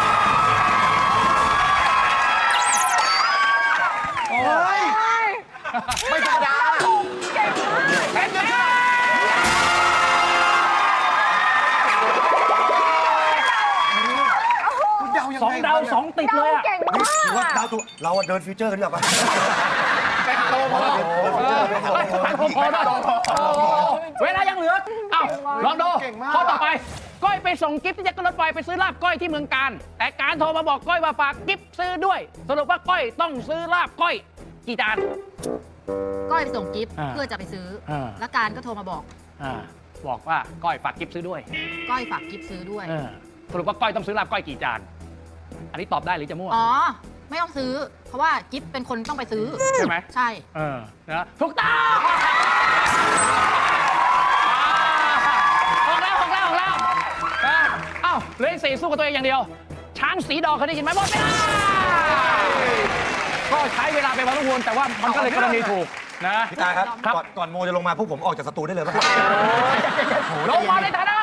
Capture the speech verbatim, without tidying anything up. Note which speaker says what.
Speaker 1: เฮ้ยไม่ธรรมดา
Speaker 2: เป็นไง
Speaker 1: คุณเดายัง
Speaker 2: สอง
Speaker 1: ไง
Speaker 2: ดาวสองติดเลยอะ
Speaker 3: เก่ง
Speaker 1: นี่
Speaker 3: มาก
Speaker 1: ถือว่าดาวตัวเราอะเดินฟิวเจอร์กันดีกว่าปะ
Speaker 2: เป็นโตพอ
Speaker 1: เดินฟิวเจอร์ไปหา
Speaker 2: พอพอได้เวลายังเหลือเอ้าลองดูข้อต่อไปก้อยไปส่งกิฟต์ที่จะขึ้นรถไฟไปซื้อลาบก้อยที่เมืองการ แต่การโทรมาบอกก้อยว่าฝากกิฟต์ซื้อด้วย สรุปว่าก้อยต้องซื้อลาบก้อยกี่จาน
Speaker 3: ก้อยไปส่งกิฟต์
Speaker 2: อ่า
Speaker 3: เพื่อจะไปซื้ออา แล้วการก็โทรมาบอก
Speaker 2: อ่าบอกว่าก้อยฝากกิฟต์ซื้อด้วย
Speaker 3: ก้อยฝากกิฟต์ซื้อด้วย
Speaker 2: เออสรุปว่าก้อยต้องซื้อลาบก้อยกี่จาน อันนี้ตอบได้หรือจะมั่ว
Speaker 3: อ๋อ ไม่ต้องซื้อ เพราะว่ากิฟต์เป็นคนต้องไปซื้อ
Speaker 2: ใช่ไหม
Speaker 3: ใช่
Speaker 2: เออนะถูกต้องออกแล้วออกแล้วออกแล้วนะเอ้าเหลยสี่สู้กับตัวเองอย่างเดียว ช้างสีดอกเคยได้ยินไหมหมดเวลาก็ใช้เวลาไปพอสมควรแต่ว่ามันก็เลยกรณีถูกนะ
Speaker 1: พี่ตาครับ
Speaker 2: ครับ
Speaker 1: ก่อนก่อนโมจะลงมาพวกผมออกจากสตูได้เลยป่ะ
Speaker 2: ลงมาในฐานะ